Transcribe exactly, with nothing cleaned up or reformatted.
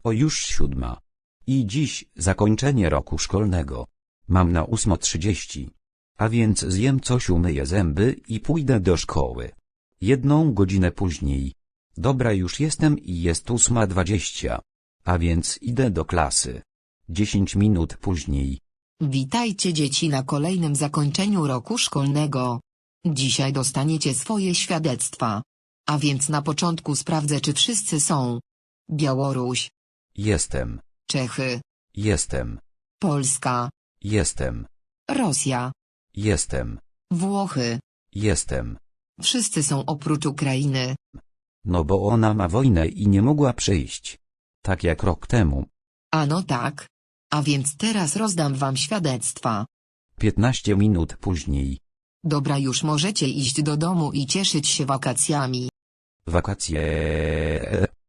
O już siódma. I dziś zakończenie roku szkolnego. Mam na ósmą trzydzieści. A więc zjem coś, umyję zęby i pójdę do szkoły. Jedną godzinę później. Dobra, już jestem i jest ósma dwadzieścia. A więc idę do klasy. Dziesięć minut później. Witajcie dzieci na kolejnym zakończeniu roku szkolnego. Dzisiaj dostaniecie swoje świadectwa. A więc na początku sprawdzę, czy wszyscy są. Białoruś, Jestem. Czechy, Jestem. Polska, Jestem. Rosja, Jestem. Włochy. Jestem. Wszyscy są oprócz Ukrainy. No bo ona ma wojnę i nie mogła przyjść. Tak jak rok temu. A no tak. A więc teraz rozdam wam świadectwa. Piętnaście minut później. Dobra, już możecie iść do domu i cieszyć się wakacjami. Wakacje.